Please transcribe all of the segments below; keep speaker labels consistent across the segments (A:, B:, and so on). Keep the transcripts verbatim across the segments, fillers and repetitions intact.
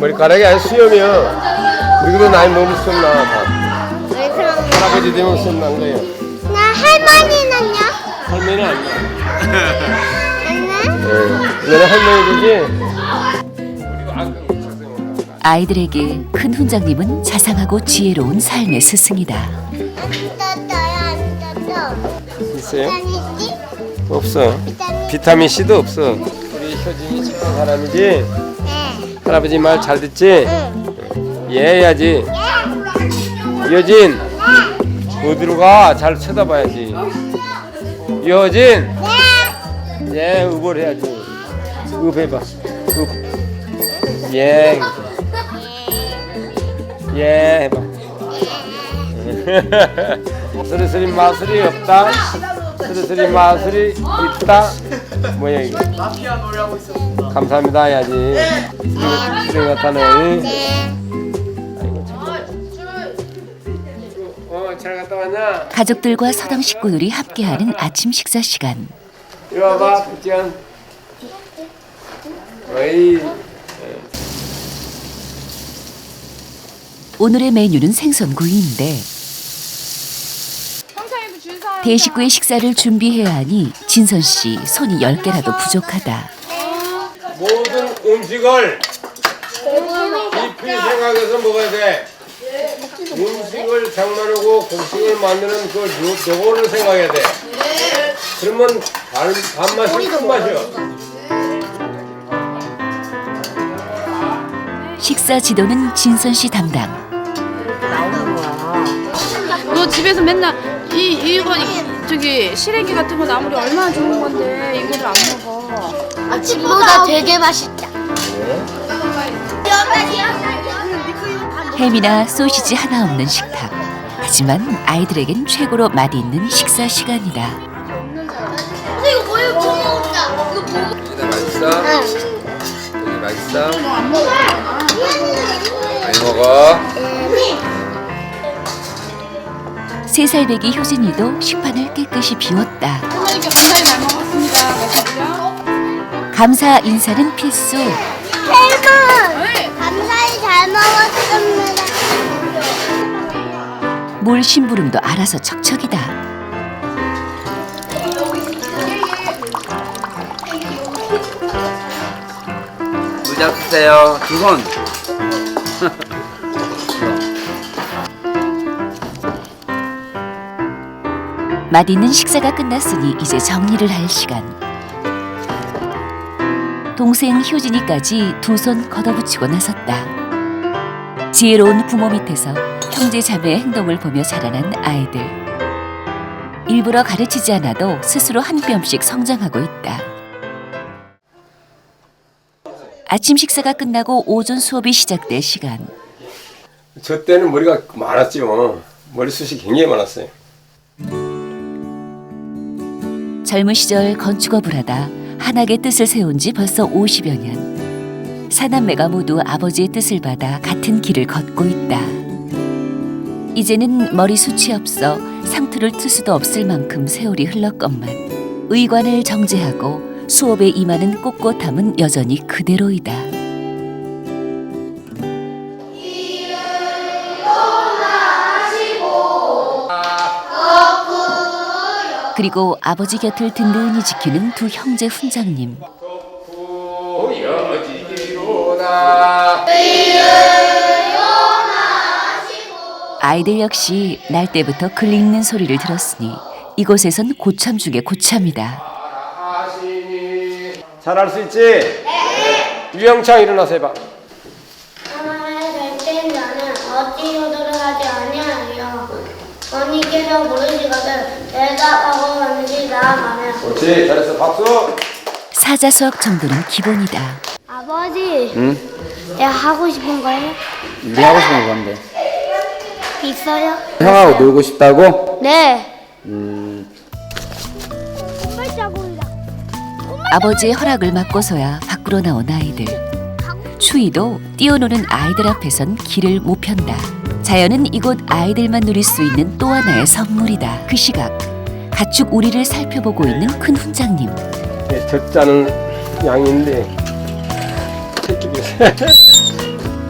A: 머리카락이 아주 수염이야. 우리도 나이 먹으면 수염 나와. 다.
B: 왜 그런 거야?
A: 할아버지 되면 수염 난 거예요.
B: 나 할머니는요?
A: 할머니는 안 나.
B: 안 나?
A: 네. 얘는 할머니 되지.
C: 아이들에게 큰 훈장님은 자상하고 지혜로운 삶의 스승이다.
B: 안 떴어요, 안 떴어.
A: 있어요?
B: 비타민C?
A: 없어.
B: 비타민
A: 비타민 C도 없어. 우리 효진이 착한 사람이지.
B: 네.
A: 할아버지 말 잘 듣지?
B: 응.
A: 얘야지. 여진. 어디로 가? 잘 쳐다봐야지. 여진. 예, 읍을 해야지. 읍 해봐. 읍. 예. 예 해봐. 스리스리 마술이 없다. 스리스리 마술이 있다. 뭐야 이거?
D: 마피아 노래하고 있어.
A: 감사합니다 해야지. 수령 같다네.
B: 네.
A: 아이고 참. 어, 잘 갔다 왔냐?
C: 가족들과 서당 식구들이 함께하는 아침 식사 시간.
A: 이리 와봐, 붙지연. 어이.
C: 오늘의 메뉴는 생선구이인데 대식구의 식사를 준비해야 하니 진선 씨 손이 열 개라도 부족하다.
A: 모든 음식을 깊이 생각해서 먹어야 돼. 음식을 장만하고 곡식을 만드는 그 요- 요거를 생각해야 돼. 그러면 반, 반맛이 큰 맛이야.
C: 식사 지도는 진선 씨 담당.
E: 너 집에서 맨날 이 이거 이, 저기 시래기 같은 거 나물이 얼마나 좋은 건데 이거를 안 먹어.
B: 아침보다 되게 맛있다.
C: 햄이나 소시지 하나 없는 식탁. 하지만 아이들에겐 최고로 맛있는 식사 시간이다.
B: 근데 이거 뭐예요? 뭐 먹었다. 이거 뭐 먹...
A: 여기 맛있어? 여기 맛있어?
E: 안 먹어.
A: 많이 먹어.
C: 세 살 배기 효진이도 식판을 깨끗이 비웠다.
E: 선생님께 감사히 잘 먹었습니다. 맛있죠?
C: 감사 인사는 필수.
B: 할머! 감사히 잘 먹었습니다.
C: 물 심부름도 알아서 척척이다.
D: 의자 쓰세요. 두 손.
C: 맛있는 식사가 끝났으니 이제 정리를 할 시간. 동생 효진이까지 두 손 걷어붙이고 나섰다. 지혜로운 부모 밑에서 형제 자매의 행동을 보며 자라난 아이들. 일부러 가르치지 않아도 스스로 한 뼘씩 성장하고 있다. 아침 식사가 끝나고 오전 수업이 시작될 시간.
A: 저 때는 머리가 많았죠. 머리숱이 굉장히 많았어요.
C: 젊은 시절 건축업을 하다 한학의 뜻을 세운 지 벌써 오십여 년. 사남매가 모두 아버지의 뜻을 받아 같은 길을 걷고 있다. 이제는 머리숱이 없어 상투를 틀 수도 없을 만큼 세월이 흘렀건만 의관을 정제하고 수업에 임하는 꼿꼿함은 여전히 그대로이다. 그리고 아버지 곁을 든든히 지키는 두 형제 훈장님. 아이들 역시 날 때부터 글 읽는 소리를 들었으니 이곳에선 고참 중에 고참이다.
A: 잘할 수 있지? 네. 유영창 일어나서 해봐.
B: 하나의 될때 나는 어찌 효도를 하지 아니하여 어니께서 부르시거든 내가 하고 왔는지 나 말해.
A: 그렇지, 잘했어. 박수.
C: 사자 수학 정도는 기본이다.
B: 아버지,
D: 응?
B: 내가 하고 싶은 거 해?
D: 네 하고 싶은 거 뭔데?
B: 있어요?
D: 형하고 놀고 싶다고?
B: 네.
D: 음.
B: 콧발자국이다.
C: 아버지의 허락을 받고서야 밖으로 나온 아이들. 추위도 뛰어노는 아이들 앞에선 길을 못 편다. 자연은 이곳 아이들만 누릴 수 있는 또 하나의 선물이다. 그 시각 가축 우리를 살펴보고 있는 큰 훈장님.
A: 네, 적자는 양인데 새끼들.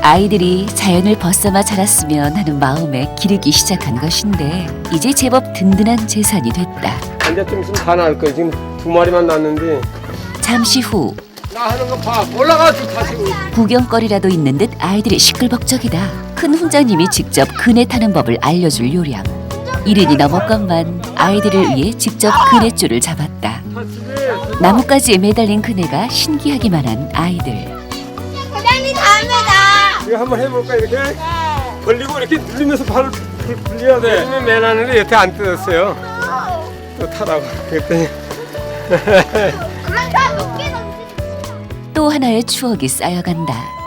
C: 아이들이 자연을 벗삼아 자랐으면 하는 마음에 기르기 시작한 것인데 이제 제법 든든한 재산이 됐다.
A: 이제 좀 있으면 다 나올 거야. 지금 두 마리만 낳았는데.
C: 잠시 후
A: 나 하는 거 봐. 올라가서 다시.
C: 구경거리라도 있는 듯 아이들이 시끌벅적이다. 큰 훈장님이 직접 그네 타는 법을 알려줄 요량. 이른이 넘었건만 아이들을 위해 직접 그네줄을 잡았다. 나뭇가지에 매달린 그네가 신기하기만 한 아이들.
B: 사장님 다음에다.
A: 이거 한번 해볼까 이렇게? 벌리고 이렇게 눌리면서 발을 불- 불려야 돼. 눌리면 매나는데 여태 안 뜯었어요. 또 타라고 그랬더니.
B: 그럼 다 높게 던지.
C: 또 하나의 추억이 쌓여간다.